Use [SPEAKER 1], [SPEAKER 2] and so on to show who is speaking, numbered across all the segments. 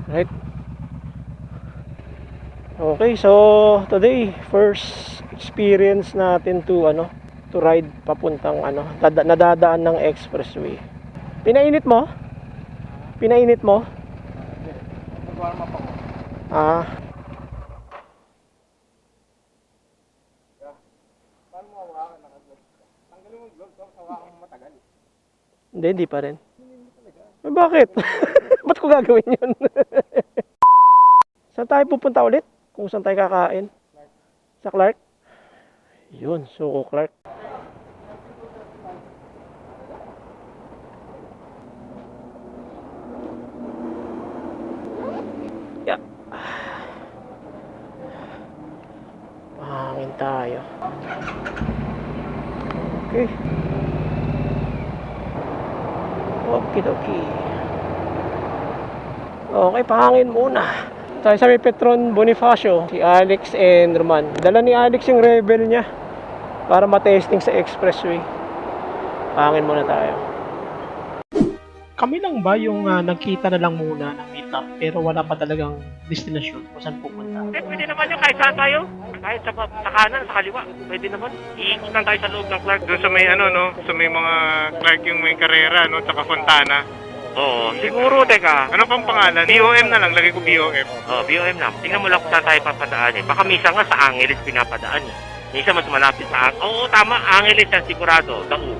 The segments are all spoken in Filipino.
[SPEAKER 1] Right. Okay, so today first experience natin to ride papuntang nadadaan ng expressway. Pinainit mo? Pinainit mo?
[SPEAKER 2] Nag-warm up ako.
[SPEAKER 1] Ah,
[SPEAKER 2] Paano mo hawakan? Naka-gloves ka. Tanggalin mo yung gloves, tapos hawakan mo matagal.
[SPEAKER 1] hindi pa rin. Eh, bakit? Ba't ko gagawin yun? Saan tayo pupunta ulit? Kung saan tayo kakain? Sa Clark? Yun, Suko Clark. Yeah. Pahangin tayo. Okay. Okidoki. Okay, pahangin muna. Tayo sa may Petron Bonifacio, si Alex and Roman. Dala ni Alex yung Rebel niya para matesting sa expressway. Pahangin muna tayo. Kami lang ba yung nagkita na lang muna ng meetup pero wala pa talagang destinasyon kung saan pupunta?
[SPEAKER 3] Pwede naman yung kahit saan tayo. Kahit sa kanan, sa kaliwa. Pwede naman. Iikot lang tayo sa loob ng Clark.
[SPEAKER 2] Doon sa may sa may mga Clark yung may karera, tsaka Fontana.
[SPEAKER 3] Oo, siguro, teka.
[SPEAKER 2] Ano pang pangalan? BOM na lang, lagay ko BOM.
[SPEAKER 3] BOM lang. Tingnan mo lang kung saan tayo papadaan eh. Baka misa nga sa Angeles pinapadaan eh. Misa mas malapit sa Angeles. Oo, tama. Angeles yan sigurado. Dao.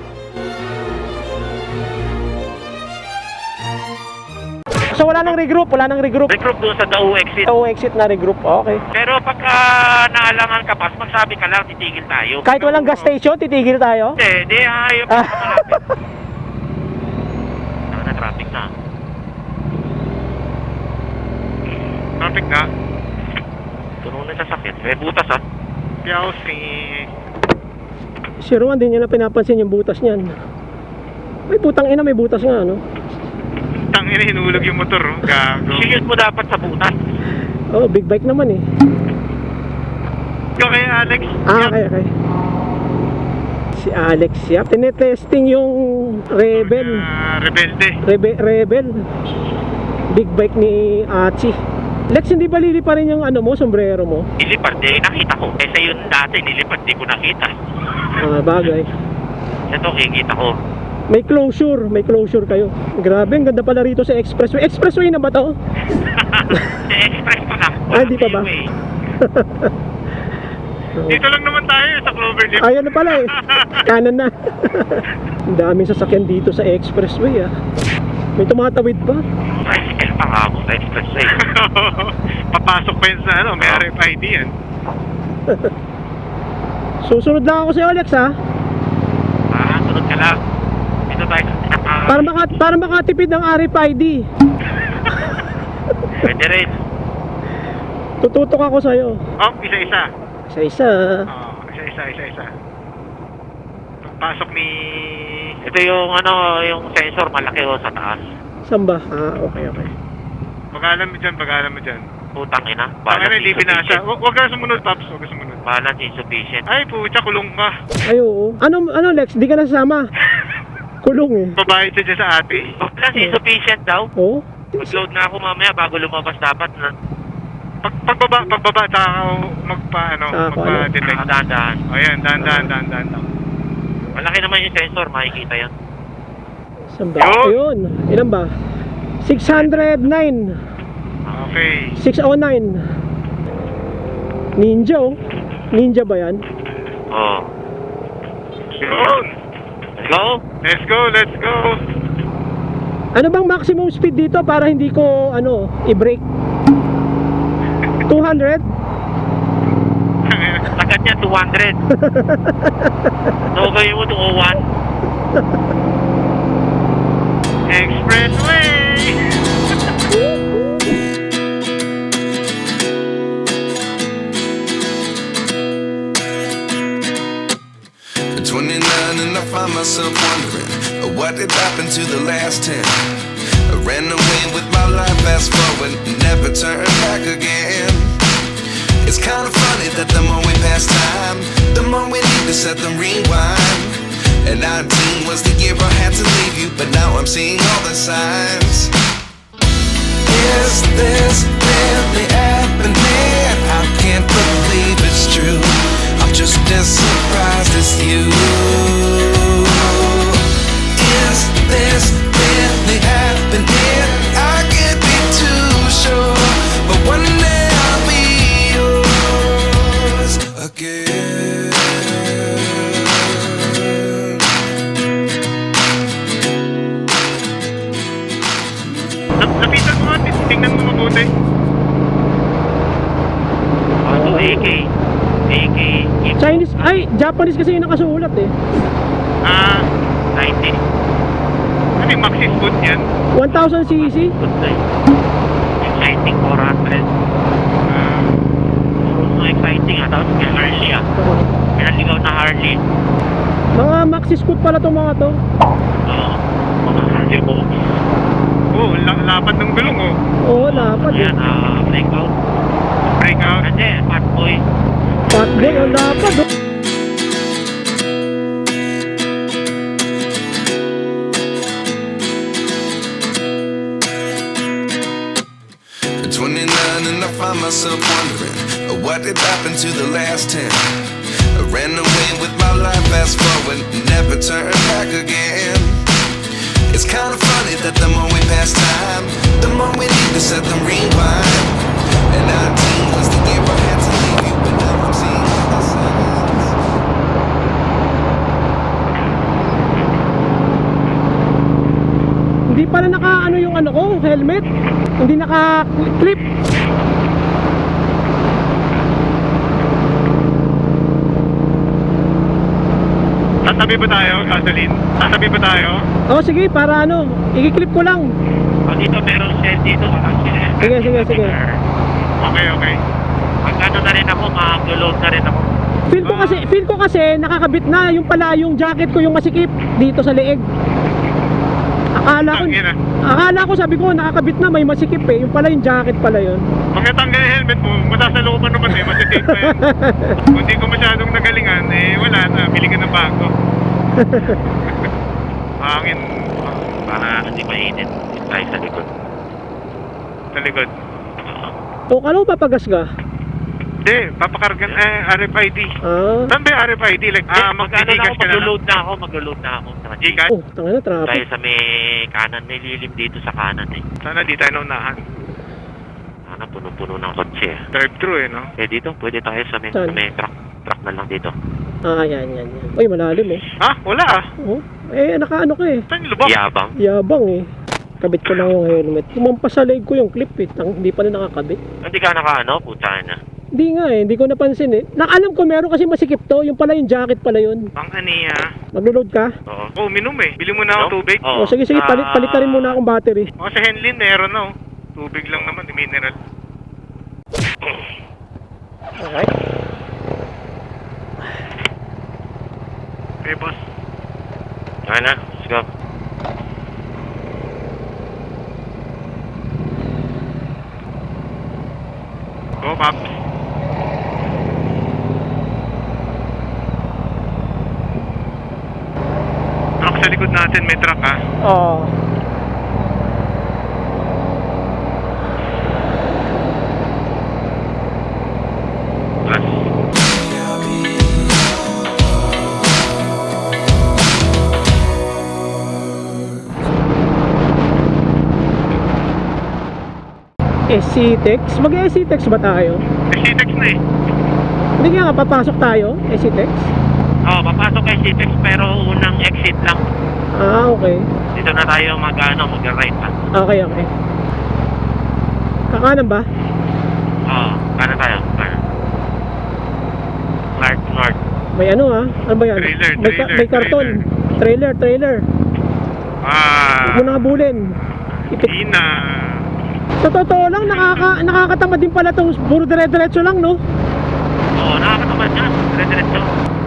[SPEAKER 1] So wala nang regroup, wala nang regroup.
[SPEAKER 3] Regroup doon sa Dao exit.
[SPEAKER 1] Dao exit na regroup, okay.
[SPEAKER 3] Pero pagka naalangan ka pas, magsabi ka lang, titigil tayo.
[SPEAKER 1] Kahit walang gas station, titigil tayo?
[SPEAKER 3] Hindi, ayaw pa malapit. Na traffic na.
[SPEAKER 2] Traffic na.
[SPEAKER 3] Tunog na sasakyan. May butas ah.
[SPEAKER 2] Piyaw
[SPEAKER 1] Si Rowan, din niya na pinapansin yung butas niyan. Ay, putang ina, may butas nga,
[SPEAKER 2] Tangina, hinulog yung motor, gago.
[SPEAKER 3] Shield mo dapat sa butas.
[SPEAKER 1] Oh, big bike naman eh.
[SPEAKER 2] Ikaw kay Alex.
[SPEAKER 1] Okay. Si Alex, yap. Tinetesting yung Rebel.
[SPEAKER 2] Rebelde.
[SPEAKER 1] Rebel. Big bike ni Achi. Lex, hindi ba lilipa rin yung sombrero mo?
[SPEAKER 3] Nilipad, nakita ko. Kaysa yun dati, nilipad, di ko nakita.
[SPEAKER 1] Bagay.
[SPEAKER 3] Ito, kikita ko.
[SPEAKER 1] May closure kayo. Grabe, ang ganda pala rito sa expressway. Expressway na ba to?
[SPEAKER 3] Sa express pa lang.
[SPEAKER 1] Di pa ba?
[SPEAKER 2] Dito lang naman tayo sa Cloverleaf.
[SPEAKER 1] Ayan na pala eh. Kanan na. Ang daming sasakyan dito sa expressway May tumatawid pa.
[SPEAKER 3] Tricycle pa nga ako sa expressway.
[SPEAKER 2] Papasok pa yun sa may RFID yan.
[SPEAKER 1] Susunod lang ako sa Alex
[SPEAKER 3] Sunod ka lang. Dito tayo.
[SPEAKER 1] Para makatipid ng RFID.
[SPEAKER 3] Pwede rin.
[SPEAKER 1] Tututok ako sa'yo.
[SPEAKER 2] Isa-isa.
[SPEAKER 1] Isa-isa.
[SPEAKER 2] Isa-isa. Pagpasok ni...
[SPEAKER 3] Ito yung yung sensor malaki sa taas.
[SPEAKER 1] Saan ba? Okay.
[SPEAKER 2] Pag-alam mo dyan.
[SPEAKER 3] Putang ina.
[SPEAKER 2] Balance hindi pinasa. Huwag ka sumunod, Pops. Huwag ka sumunod.
[SPEAKER 3] Balance insufficient.
[SPEAKER 2] Ay, pucha, kulong ka.
[SPEAKER 1] Ay, oo. Ano Lex? Di ka nasama. Kulong eh.
[SPEAKER 2] Babayad siya dyan sa ate.
[SPEAKER 3] Balance insufficient daw.
[SPEAKER 1] Oo.
[SPEAKER 3] Mag-load na ako mamaya bago lumabas dapat na.
[SPEAKER 2] Pagbaba, tsaka magpa-detect.
[SPEAKER 3] Dahan-dahan.
[SPEAKER 2] Ayan, dahan.
[SPEAKER 3] Malaki naman yung sensor, makikita yan.
[SPEAKER 1] Saan ba? Ayun. Ilan ba? 609.
[SPEAKER 2] Okay.
[SPEAKER 1] 609. Ninja ba yan?
[SPEAKER 3] Oo.
[SPEAKER 2] Yun.
[SPEAKER 3] Let's go.
[SPEAKER 2] Let's go.
[SPEAKER 1] Ano bang maximum speed dito para hindi ko i-brake? 200?
[SPEAKER 3] Sagad niya 200. So gawin mo 201.
[SPEAKER 2] Expressway.
[SPEAKER 4] At 29 and I find myself wondering what did happen to the last 10. I ran away with my life, fast forward, never turn back again. It's kind of funny that the more we pass time, the more we need to set the rewind. And 19 was the year I had to leave you, but now I'm seeing all the signs. Is there
[SPEAKER 2] tingnan mo mabuti.
[SPEAKER 3] Ito, AK. AK.
[SPEAKER 1] Chinese, ay, Japanese kasi yung nakasulat eh.
[SPEAKER 3] 90.
[SPEAKER 2] Ano yung Maxis boot yan?
[SPEAKER 1] 1000cc.
[SPEAKER 3] Good day. Exciting 400. So exciting ah. Tapos may Harley ah. May naligaw na Harley.
[SPEAKER 1] Mga maxi scoot pala itong mga to.
[SPEAKER 3] Oo. Mga Harley box.
[SPEAKER 2] Oo, lapad ng gulong oh.
[SPEAKER 1] Oo, lapad eh.
[SPEAKER 3] Ayan, breakout.
[SPEAKER 2] Breakout.
[SPEAKER 3] Kasi, fat boy.
[SPEAKER 1] Fatboy, ang lapad oh.
[SPEAKER 4] At 29 and I find myself wondering what did happen to the last 10. I ran away with my life, fast forward, never turn back again. It's kind of funny that the more we pass time, the more we need to set them rewind. And 19 was the year I had to leave you, but now I'm seeing all the signs.
[SPEAKER 1] Hindi pala naka ano yung ano ko, helmet. Hindi naka clip.
[SPEAKER 2] Tatabi ba tayo, gasoline? Tatabi ba tayo?
[SPEAKER 1] Oh, sige, para ano, i-clip ko lang.
[SPEAKER 3] Dito meron shell dito.
[SPEAKER 1] Sige, sige, sige.
[SPEAKER 2] Okay, okay.
[SPEAKER 3] Magkano na rin ako, mag-load na rin ako.
[SPEAKER 1] Feel ko kasi nakakabit na yung pala yung jacket ko yung masikip dito sa leeg.
[SPEAKER 2] Tangina.
[SPEAKER 1] Akala ko sabi ko nakakabit na may masikip eh. Yung pala yung jacket pala yun.
[SPEAKER 2] Pag natanggal yung helmet mo, masasalooban naman eh, masisave pa yan. Kung hindi ko masyadong nagalingan, eh wala na, bili ka ng bago. Hangin
[SPEAKER 3] Para hindi mainit. Tayo sa likod.
[SPEAKER 2] sa likod.
[SPEAKER 1] O kala mo papagas ka?
[SPEAKER 2] Hindi, papakargan, RFID.
[SPEAKER 1] Ah.
[SPEAKER 2] Saan ba yung RFID? Like,
[SPEAKER 3] Magkano na
[SPEAKER 2] magtitigas
[SPEAKER 3] ako,
[SPEAKER 2] ka na lang?
[SPEAKER 3] mag-load na ako. Sa
[SPEAKER 2] Gcash?
[SPEAKER 1] Oh, tanga na traffic.
[SPEAKER 3] Tayo sa may kanan, may lilim dito sa kanan eh.
[SPEAKER 2] Sana di tayo naunahan.
[SPEAKER 3] Sana puno-puno ng kotse eh.
[SPEAKER 2] Drive-thru eh, no?
[SPEAKER 3] Eh dito, pwede tayo sa may,
[SPEAKER 1] Saan?
[SPEAKER 3] sa may truck na lang dito.
[SPEAKER 1] Ah, yan. Uy, malalim oh.
[SPEAKER 2] Ha? Wala ah.
[SPEAKER 1] Oh, eh nakaano ko eh.
[SPEAKER 2] Saan yung lubak?
[SPEAKER 3] Yabang.
[SPEAKER 1] Yabang eh. Kabit ko lang yung helmet. Tumampas sa leg ko yung clip eh. Hindi pa na nakakabit.
[SPEAKER 3] Hindi ka naka-ano, putsa na.
[SPEAKER 1] Hindi nga eh, hindi ko napansin eh. Alam ko meron kasi masikip to, yung pala yung jacket pala yun.
[SPEAKER 2] Pang aniya.
[SPEAKER 1] Maglo-load ka?
[SPEAKER 3] Oo.
[SPEAKER 2] Oh, minum eh. Bili mo na ako tubig.
[SPEAKER 3] Oo.
[SPEAKER 1] Oh, sige, palit na rin muna akong battery.
[SPEAKER 2] O sa Henlin, meron na oh. Tubig lang naman, mineral.
[SPEAKER 1] Okay.
[SPEAKER 2] Okay, boss.
[SPEAKER 3] Okay na, let's go.
[SPEAKER 2] Go, Paps. Truck sa likod natin, may truck ah.
[SPEAKER 1] Oo.
[SPEAKER 3] Plus.
[SPEAKER 1] SC-Tex? Mag-SC-Tex ba tayo?
[SPEAKER 2] SC-Tex na eh.
[SPEAKER 1] Hindi nga papasok tayo, SC-Tex?
[SPEAKER 3] Oo, papasok kay Citex pero unang exit lang.
[SPEAKER 1] Ah, okay.
[SPEAKER 3] Dito na tayo mag-right pa.
[SPEAKER 1] Okay. Kakanan ba?
[SPEAKER 3] Oo, kanan tayo. Kanan. Clark North.
[SPEAKER 1] May ano ah? Ano ba yan?
[SPEAKER 2] Trailer,
[SPEAKER 1] May karton. Trailer. Huwag mo nang habulin.
[SPEAKER 2] Di na.
[SPEAKER 1] Sa totoo lang, nakakatamad din pala itong puro dire-diretso lang, no?
[SPEAKER 3] Oo, nakakatamad yan. Dire-diretso.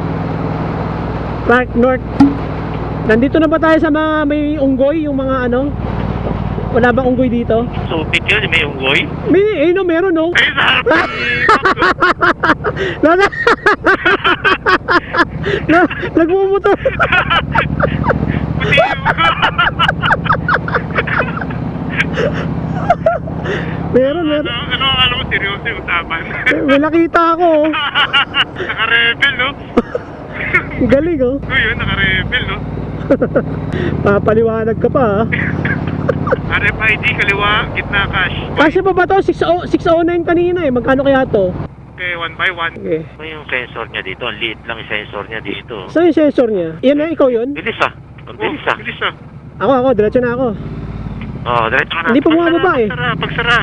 [SPEAKER 1] Clark North. Nandito na ba tayo sa mga may unggoy, yung mga ano? Wala bang unggoy dito?
[SPEAKER 3] Supit yun, may unggoy.
[SPEAKER 1] Meron, no?
[SPEAKER 2] Ay, sa harap ni
[SPEAKER 1] Nagmumotor.
[SPEAKER 2] Puti
[SPEAKER 1] Meron.
[SPEAKER 2] Ano ang alam mo, seryoso yung usapan?
[SPEAKER 1] May nakita ako, oh.
[SPEAKER 2] Naka-rebel, no?
[SPEAKER 1] Galing, oh.
[SPEAKER 2] Yun, naka-rebel, no?
[SPEAKER 1] Papaliwanag ka pa, ha?
[SPEAKER 2] RFID, kaliwa, gitna, cash.
[SPEAKER 1] Kasi pa ba to? 609 kanina, eh. Magkano kaya to?
[SPEAKER 2] Okay, 1 by 1.
[SPEAKER 1] Okay.
[SPEAKER 3] Ano yung sensor niya dito? Ang liit lang yung sensor niya dito.
[SPEAKER 1] Saan yung sensor niya? Yan na, ikaw yun?
[SPEAKER 3] Bilis ah. Ang bilis ah.
[SPEAKER 2] Bilis ah.
[SPEAKER 1] Ako, diretso na ako.
[SPEAKER 3] Oh, diretso ka na.
[SPEAKER 1] Hindi pa bumababa eh.
[SPEAKER 2] Pagsara.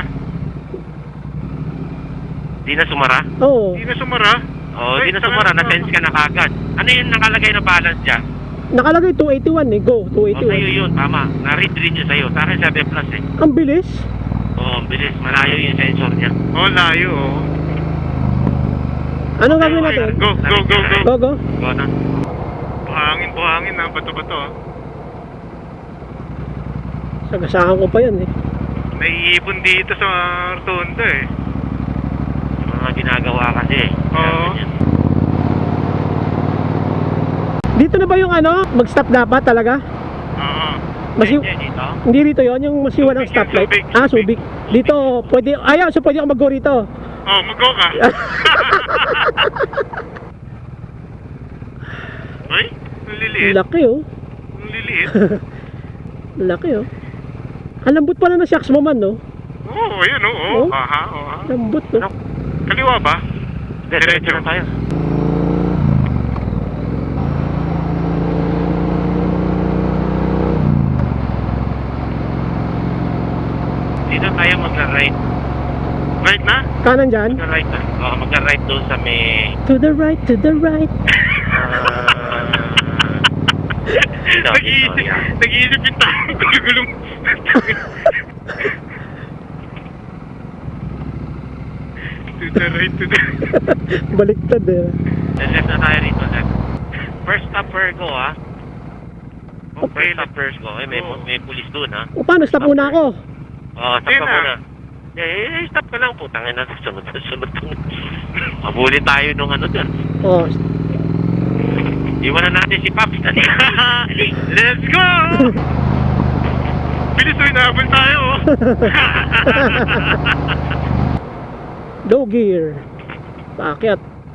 [SPEAKER 3] Di na sumara?
[SPEAKER 1] Oo.
[SPEAKER 2] Hindi na sumara.
[SPEAKER 3] Oh,
[SPEAKER 2] Ay,
[SPEAKER 3] di na sumara.
[SPEAKER 2] saka-
[SPEAKER 3] Na-sense ka na kagad. Ano yung nakalagay na balance dyan?
[SPEAKER 1] Nakalagay 281 eh. Go,
[SPEAKER 3] Oh, sa'yo
[SPEAKER 1] 281.
[SPEAKER 3] yun. Tama. Na-read rin yun sa'yo. Sa akin 7 plus eh.
[SPEAKER 1] Ang bilis.
[SPEAKER 3] Oh, ang bilis. Malayo yung sensor niya.
[SPEAKER 2] Oh, layo oh.
[SPEAKER 1] Anong gagawin natin?
[SPEAKER 2] Go.
[SPEAKER 1] Go, go.
[SPEAKER 3] Go na.
[SPEAKER 2] Buhangin na. Bato-bato ah.
[SPEAKER 1] Sagasahan ko pa yan eh.
[SPEAKER 2] Naiipon dito sa Rotonda eh.
[SPEAKER 3] Mga ginagawa kasi eh.
[SPEAKER 2] Oo.
[SPEAKER 3] Ganyan.
[SPEAKER 1] Dito na ba yung ano? Mag-stop dapat talaga?
[SPEAKER 2] Oo.
[SPEAKER 1] Masi
[SPEAKER 3] Hindi, dito.
[SPEAKER 1] Hindi rito yon yung masiwan ng
[SPEAKER 2] Subic,
[SPEAKER 1] stoplight.
[SPEAKER 2] Subic,
[SPEAKER 1] Ah,
[SPEAKER 2] Subic.
[SPEAKER 1] Subic. Dito, pwede, ayaw, so pwede ako mag-go rito.
[SPEAKER 2] Oh, mag-go ka. Ay, ang liliit.
[SPEAKER 1] Laki oh.
[SPEAKER 2] Ang liliit.
[SPEAKER 1] Laki oh. Ang lambot pala ng shocks mo man, no?
[SPEAKER 2] Oo, ayan oo.
[SPEAKER 1] Oh?
[SPEAKER 2] Aha, aha.
[SPEAKER 1] Lambot, no?
[SPEAKER 2] Kaliwa ba?
[SPEAKER 3] Diretso na tayo. Dito tayo mag-right.
[SPEAKER 2] Right na?
[SPEAKER 1] Kanan dyan.
[SPEAKER 3] Mag-right na. Oo, mag-right doon sa may...
[SPEAKER 1] To the right, to the right.
[SPEAKER 3] Dito, yan.
[SPEAKER 2] Nag-iisip yung tao. Gulong. To the right, to the...
[SPEAKER 1] Baliktad eh.
[SPEAKER 3] Left na tayo rito, left. First stop Virgo, ha? Oh, first stop Virgo. Eh, may pulis doon, ha?
[SPEAKER 1] O paano, stop muna ako.
[SPEAKER 3] Oo, stop
[SPEAKER 2] Hindi
[SPEAKER 3] ka
[SPEAKER 2] na.
[SPEAKER 3] muna. Stop ka lang, putangin na. Sunod. Mabuli tayo nung ano dyan.
[SPEAKER 1] Oh,
[SPEAKER 3] Iwanan natin si Pops. Dali.
[SPEAKER 2] Let's go! Bilis o, inaabol tayo. Oh.
[SPEAKER 1] low gear. Paakyat.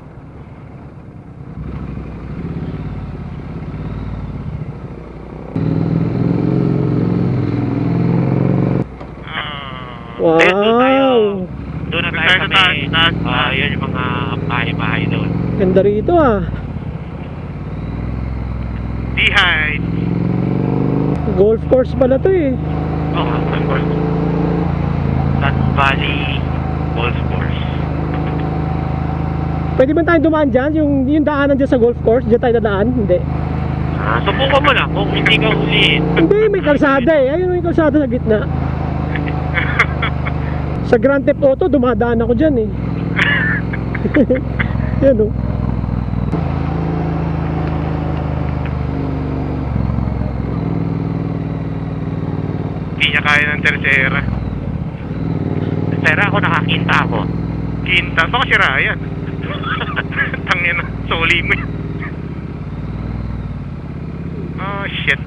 [SPEAKER 2] Ah,
[SPEAKER 3] Ayun, doon tayo.
[SPEAKER 1] Wow.
[SPEAKER 3] Doon na
[SPEAKER 2] Doon
[SPEAKER 3] tayo
[SPEAKER 2] tayo
[SPEAKER 3] sa
[SPEAKER 2] sa taas,
[SPEAKER 3] may...
[SPEAKER 2] taas.
[SPEAKER 3] Yun yung mga bahay-bahay doon.
[SPEAKER 1] Ganda rito ah.
[SPEAKER 2] behind.
[SPEAKER 1] Golf course pala to eh.
[SPEAKER 3] Oo, of course. Sun Valley Golf Course.
[SPEAKER 1] Pwede ba tayo dumaan dyan? Yung daanan dyan sa golf course? Dyan tayo dadaan? Hindi.
[SPEAKER 3] Subukan mo lang kung hindi ka uliin.
[SPEAKER 1] Hindi, may kalsada eh. Ayun may kalsada sa gitna. Sa Grand Theft Auto, dumadaan ako dyan eh. Yan oh.
[SPEAKER 2] Hindi niya kaya ng tercera.
[SPEAKER 3] Pero ako nakakita ako.
[SPEAKER 2] Quinta. Baka si Ryan. Tangin na. Soli mo yan. Oh, shit.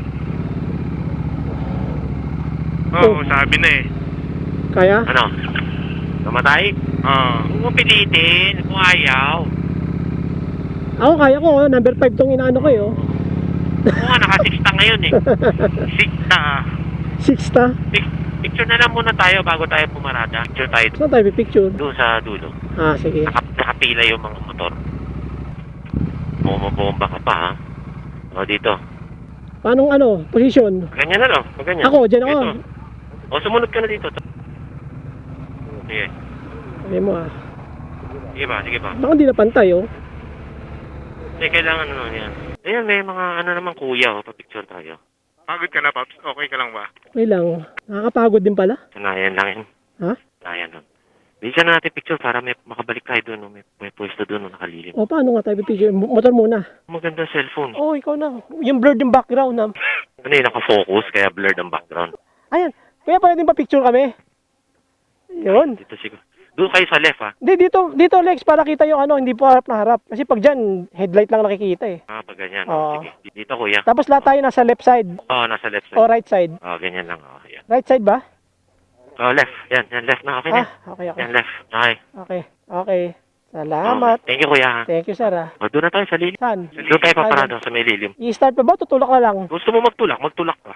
[SPEAKER 2] Oh, sabi na eh.
[SPEAKER 1] Kaya?
[SPEAKER 3] Ano? Namatay?
[SPEAKER 2] Oh.
[SPEAKER 3] Huwag mo pilitin kung ayaw.
[SPEAKER 1] Ako kaya ko, oh. Number 5 tong inaano ko eh oh.
[SPEAKER 3] Oo nga, naka-6 ngayon eh.
[SPEAKER 2] Sikta.
[SPEAKER 1] 6 ta.
[SPEAKER 3] Picture na lang muna tayo bago tayo pumarada. Picture tayo
[SPEAKER 1] Saan tayo picture?
[SPEAKER 3] doon sa dulo.
[SPEAKER 1] Ah, sige.
[SPEAKER 3] Nakapila yung mga motor. Bumabomba ka pa ha. O dito.
[SPEAKER 1] Paano ano? Position?
[SPEAKER 3] Ganyan na lang. Pag ganyan.
[SPEAKER 1] Ako, dyan ako.
[SPEAKER 3] Dito. O sumunod ka na dito. Sige.
[SPEAKER 1] Sabi mo ah.
[SPEAKER 3] Sige ba? Sige ba?
[SPEAKER 1] Baka hindi na pantay oh.
[SPEAKER 3] Hindi, kailangan ano yan. Ayan, may mga ano naman kuya. O, pa-picture tayo.
[SPEAKER 2] Pagod ka na, Pops? Okay ka lang ba?
[SPEAKER 1] Okay lang. Nakakapagod din pala.
[SPEAKER 3] Sanayan lang yan.
[SPEAKER 1] Ha?
[SPEAKER 3] Sanayan lang. Bisa na natin picture para may makabalik tayo doon. No? May pwesto doon no? Nakalilim.
[SPEAKER 1] O paano nga tayo picture? Motor muna.
[SPEAKER 3] Maganda cellphone.
[SPEAKER 1] Oh, ikaw na. Yung blurred yung background na.
[SPEAKER 3] Ano yung nakafocus kaya blurred ang background.
[SPEAKER 1] Ayan. Kaya pala din pa picture kami. Yun.
[SPEAKER 3] Dito siguro. Doon kayo sa left ha.
[SPEAKER 1] Hindi, dito Lex, para kita yung ano, hindi po harap na harap. Kasi pag dyan, headlight lang nakikita eh.
[SPEAKER 3] Pag ganyan.
[SPEAKER 1] Oo.
[SPEAKER 3] Sige. Dito kuya.
[SPEAKER 1] Tapos lahat tayo nasa left side
[SPEAKER 3] Nasa left
[SPEAKER 1] o
[SPEAKER 3] side.
[SPEAKER 1] right side.
[SPEAKER 3] Ganyan lang. Yan.
[SPEAKER 1] Right side ba?
[SPEAKER 3] Left. Yan left na. Okay na.
[SPEAKER 1] Okay.
[SPEAKER 3] Yan left. Okay.
[SPEAKER 1] Okay. Salamat.
[SPEAKER 3] Thank you kuya.
[SPEAKER 1] Thank you, sir ah.
[SPEAKER 3] Doon na tayo sa lilim.
[SPEAKER 1] Saan?
[SPEAKER 3] Doon tayo paparado sa may lilim.
[SPEAKER 1] I-start pa ba? Tutulak na lang.
[SPEAKER 3] Gusto mo magtulak ka.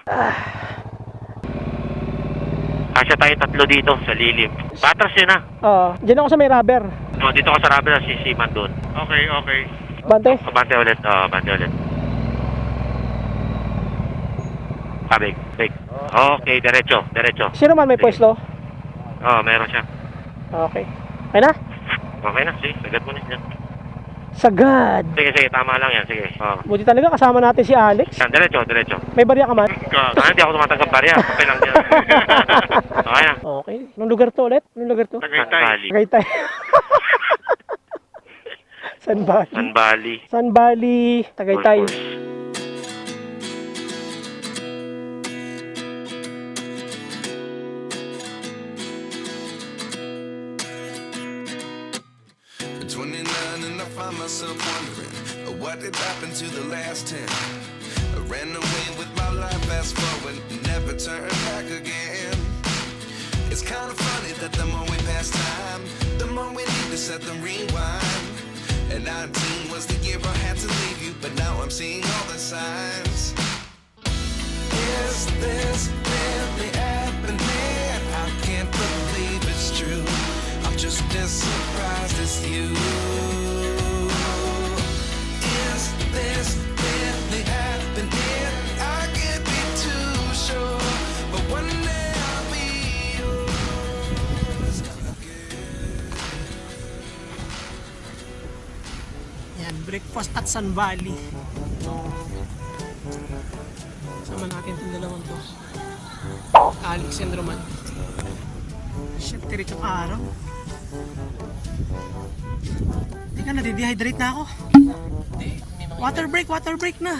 [SPEAKER 3] Kasya tayo tatlo dito sa lilim. Patras yun ha.
[SPEAKER 1] Oo. Diyan ako sa may rubber.
[SPEAKER 3] Dito ka sa rubber si Siman doon.
[SPEAKER 2] Okay, okay.
[SPEAKER 1] Bante?
[SPEAKER 3] Bante ulit. Bante ulit. pabig. Okay, diretso.
[SPEAKER 1] Sino man may
[SPEAKER 3] Sige.
[SPEAKER 1] pwesto?
[SPEAKER 3] Meron siya.
[SPEAKER 1] Okay. Okay na?
[SPEAKER 3] Okay na, sige, sagad mo na yan.
[SPEAKER 1] Sagad.
[SPEAKER 3] Sige, tama lang yan, sige.
[SPEAKER 1] Buti talaga kasama natin si Alex.
[SPEAKER 3] Yan, diretso.
[SPEAKER 1] May barya ka man?
[SPEAKER 3] Hindi ako tumatanggap barya, kapay lang yan. Okay na.
[SPEAKER 1] Okay. Anong lugar to ulit? Anong lugar to?
[SPEAKER 2] Tagaytay.
[SPEAKER 1] Tagaytay. San Bali.
[SPEAKER 3] San Bali.
[SPEAKER 1] San Bali, Tagaytay.
[SPEAKER 3] Golf course.
[SPEAKER 4] At 29 and I find myself wondering what did happen to the last 10. I ran away with my life, fast forward, never turn back again. It's kind of funny that the more we pass time, the more we need to set the rewind. And 19 was the year I had to leave you, but now I'm seeing all the signs. Is this really happening? I can't believe it's true. I'm just as surprised as you. Is this really happening? I can't be too sure, but one day I'll be yours again.
[SPEAKER 1] Yan, breakfast at San Bali. Sama natin itong dalawang to. Alex and Roman. Shit, tirik ang araw. Teka, nadidehydrate na ako. Water break na.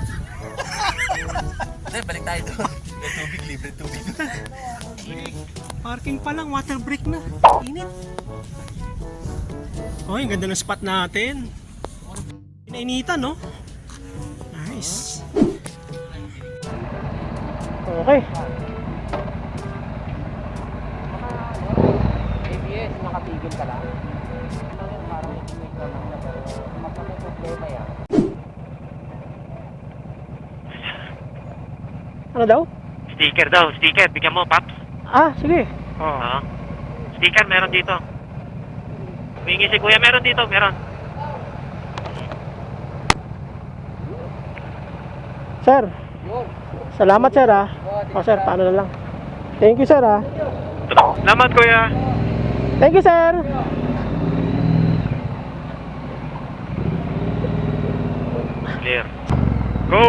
[SPEAKER 5] Balik tayo doon. Libre tubig.
[SPEAKER 1] Parking pa lang, water break na. Init. Oh, ang ganda ng spot natin. Inainitan, no? Nice. Okay.
[SPEAKER 5] ABS, nakatigil ka lang. Parang may lang na pero may problema yan.
[SPEAKER 1] Ano daw?
[SPEAKER 3] Sticker, bigyan mo, Paps.
[SPEAKER 1] Ah, sige.
[SPEAKER 3] Oo. Sticker, meron dito. Humingi si Kuya, meron dito, meron.
[SPEAKER 1] Sir. Salamat, sir, ah. Oh, sir, paano na lang. Thank you, sir, ah.
[SPEAKER 2] Salamat, Kuya.
[SPEAKER 1] Thank you, sir.
[SPEAKER 3] Clear.
[SPEAKER 2] Go!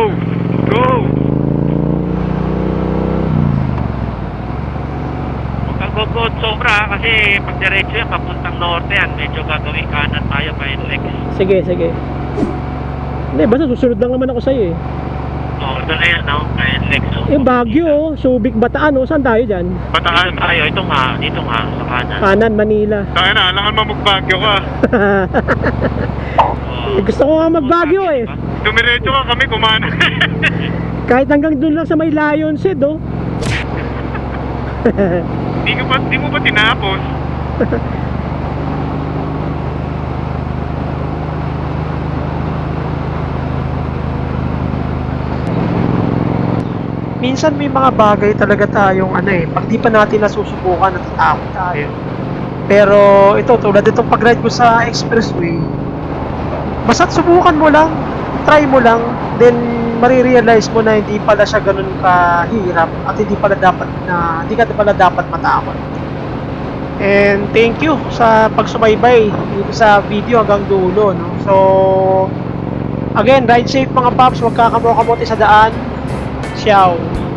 [SPEAKER 3] Huwag kang gugod sobra kasi pag diretso yan, papuntang norte yan. Medyo gagawin kanan tayo pa Lex.
[SPEAKER 1] Sige. Hindi, basta susunod lang naman ako sa'yo, eh.
[SPEAKER 3] Norte na yan, no? Kaya Lex.
[SPEAKER 1] Baguio, oh. Subic, Bataan, oh. Saan tayo dyan?
[SPEAKER 2] Bataan.
[SPEAKER 3] Dito nga, sa kanan.
[SPEAKER 1] Kanan, Manila.
[SPEAKER 2] Tayo na, alangan mo magbagyo ka.
[SPEAKER 1] Gusto ko nga mag-Baguio, eh.
[SPEAKER 2] Dumiretso ka kami, kumana.
[SPEAKER 1] Kahit hanggang doon lang sa may Lion's Head, oh.
[SPEAKER 2] Di mo ba tinapos?
[SPEAKER 1] Minsan may mga bagay talaga tayong pag di pa natin nasusubukan, natatakot tayo. Pero ito, tulad itong pag-ride ko sa expressway, basta't subukan mo lang, try mo lang, then marirealize mo na hindi pala siya ganun kahirap at hindi ka pala dapat matakot. And thank you sa pagsubaybay dito sa video hanggang dulo, no? So again, ride safe mga paps, huwag kakamokamote sa daan. Ciao.